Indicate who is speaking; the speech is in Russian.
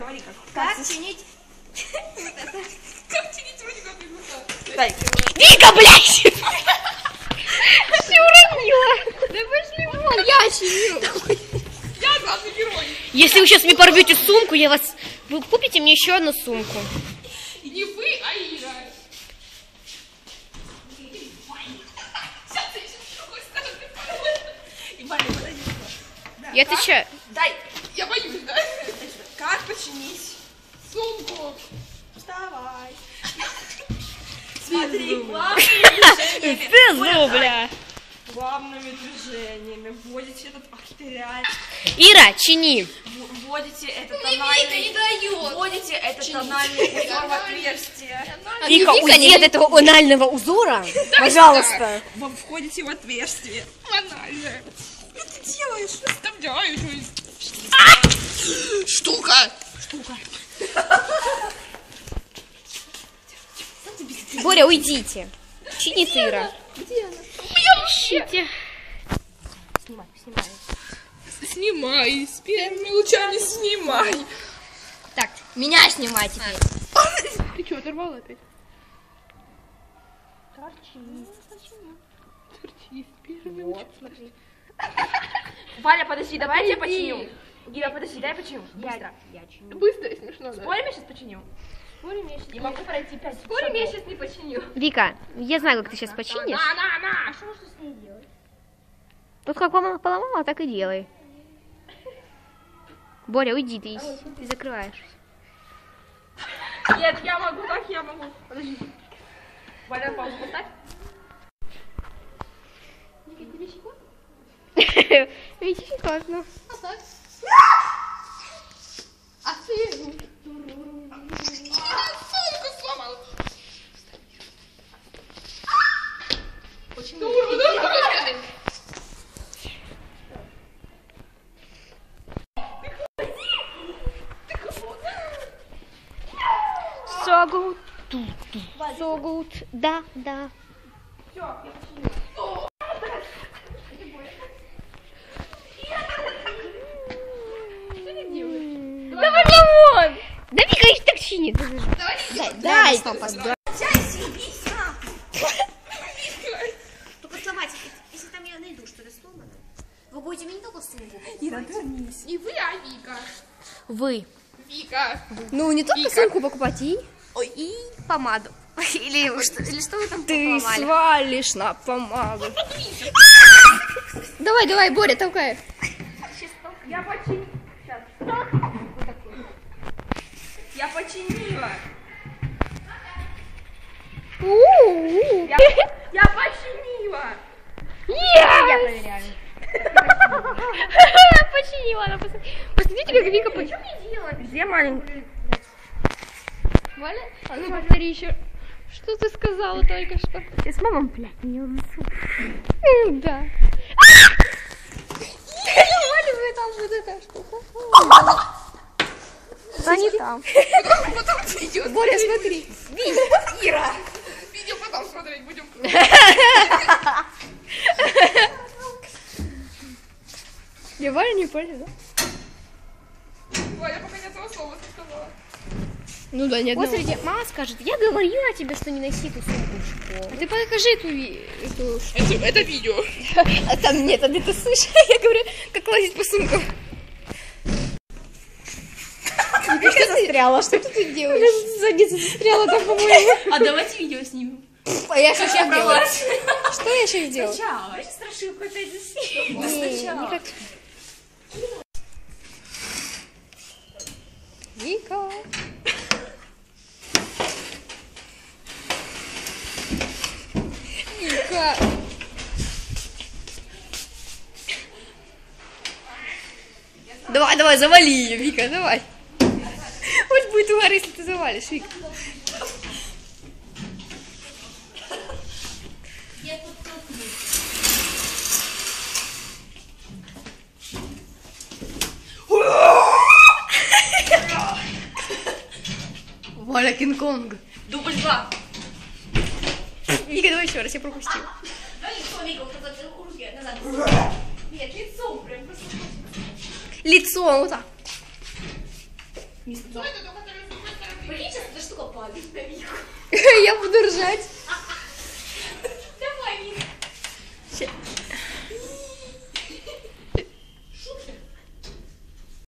Speaker 1: говори,
Speaker 2: как чинить...
Speaker 1: Как чинить вроде как бегута?
Speaker 2: Дай.
Speaker 3: Вика, блядь! Все уронила. Да пошли вон, я чиню.
Speaker 1: Я главный герой.
Speaker 3: Если вы сейчас мне порвете сумку, я вас... Вы купите мне еще одну сумку.
Speaker 1: И не вы, а Ира. Сейчас ты еще с другой стороны.
Speaker 2: И Ваня, подойди.
Speaker 3: Я отвечаю.
Speaker 2: Дай.
Speaker 1: Я боюсь, да?
Speaker 2: Как починить
Speaker 1: Сумку.
Speaker 2: Вставай. Смотри, главными
Speaker 3: бля.
Speaker 2: главными движениями вводите этот... Ах, ты реально...
Speaker 3: Ира, чини.
Speaker 2: Вводите этот тональный... Вводите этот тональный узор в отверстие.
Speaker 3: Вика, уйди от этого анального узора. Пожалуйста.
Speaker 2: Вы входите в отверстие.
Speaker 1: Банально.
Speaker 2: Что ты делаешь?
Speaker 1: Вставляю. Штука.
Speaker 3: Боря, уйдите. Чинит Ира.
Speaker 1: Где она?
Speaker 3: Ищите.
Speaker 1: Снимай. С первыми лучами снимай.
Speaker 3: Так, меня снимай теперь.
Speaker 1: Ты что, оторвала опять?
Speaker 2: Торчи.
Speaker 1: Торчи с первыми
Speaker 2: Вот,
Speaker 1: лучами.
Speaker 2: смотри. Валя, подожди, давай я починю. Гира, подожди, дай починю. Быстро.
Speaker 3: Я чиню.
Speaker 1: Быстро и смешно, да?
Speaker 2: Спорим, я сейчас починю?
Speaker 3: Спорим, я сейчас
Speaker 2: Не могу пройти 5
Speaker 3: Спорим, я сейчас не починю. Вика, я знаю, как ты сейчас починишь.
Speaker 1: На.
Speaker 2: Что можно с ней делать?
Speaker 3: Вот как мама поломала, так и делай. Боря, уйди, ты закрываешь.
Speaker 2: Нет, я могу, так я могу. Подожди. Валя, паузу поставь.
Speaker 3: Видите, классно.
Speaker 1: А так? А ты? Сумку сломал.
Speaker 2: Очень
Speaker 3: So good. So good. Да.
Speaker 2: Все, я починю.
Speaker 3: Давай вон! Да Вика их так чинит.
Speaker 1: Давай.
Speaker 3: Только сломайте, если там я найду что-то сломано. Вы будете мне не только сумку.
Speaker 2: Ира, вернись.
Speaker 1: Не вы, а Вика.
Speaker 3: Вы.
Speaker 1: Вика.
Speaker 3: Ну, не только
Speaker 1: Вика.
Speaker 3: сумку покупать, и помаду. Или что вы там поломали?
Speaker 2: свалишь на помаду.
Speaker 3: Давай, Боря, толкай.
Speaker 2: Я починила. Сейчас. Я починила. Я починила.
Speaker 3: Я проверяю. Починила она. Посмотрите, как Вика починила.
Speaker 2: Что мне делать? Где маленькая?
Speaker 3: Валя, а ну повтори еще. Что ты сказала только что? Ты с мамой, блядь, не унесу. Да. Валя, там вот эта штука. Да не там.
Speaker 1: Потом видео.
Speaker 3: Боря, смотри.
Speaker 2: Ира.
Speaker 1: Видео потом смотреть будем.
Speaker 3: Я Валя не понял, да?
Speaker 1: Валя пока ни одного слова не сказала.
Speaker 3: Ну да, нет. Вот смотрите, мама скажет, я говорила тебе, что не носи эту сумку в школу. А ты покажи эту
Speaker 1: Это видео.
Speaker 3: А там нет, а ты слышишь? Я говорю, как лазить по сумкам. Ты что застряла? Что ты делаешь? Задница застряла там, по-моему.
Speaker 2: А давайте видео снимем.
Speaker 3: А я что сейчас делаю? Что я сейчас делаю?
Speaker 2: Сначала. Я страшилку опять заснимем. Да
Speaker 3: Не
Speaker 2: сначала.
Speaker 3: как... Вика. Вика. Давай, завали ее, Вика, давай. Хоть будет угар, если ты завалишь, Вика. Валя Кинг-Конг.
Speaker 2: Дубль 2.
Speaker 3: Вика, давай еще раз, я пропустила.
Speaker 2: Да лицо, Вика, вот это руки назад. Нет, лицо прям просто.
Speaker 3: Лицо, вот так.
Speaker 2: Не сказал. Прикинь, сейчас эта штука падает на Вику.
Speaker 3: Я буду ржать.
Speaker 2: Давай, Вика.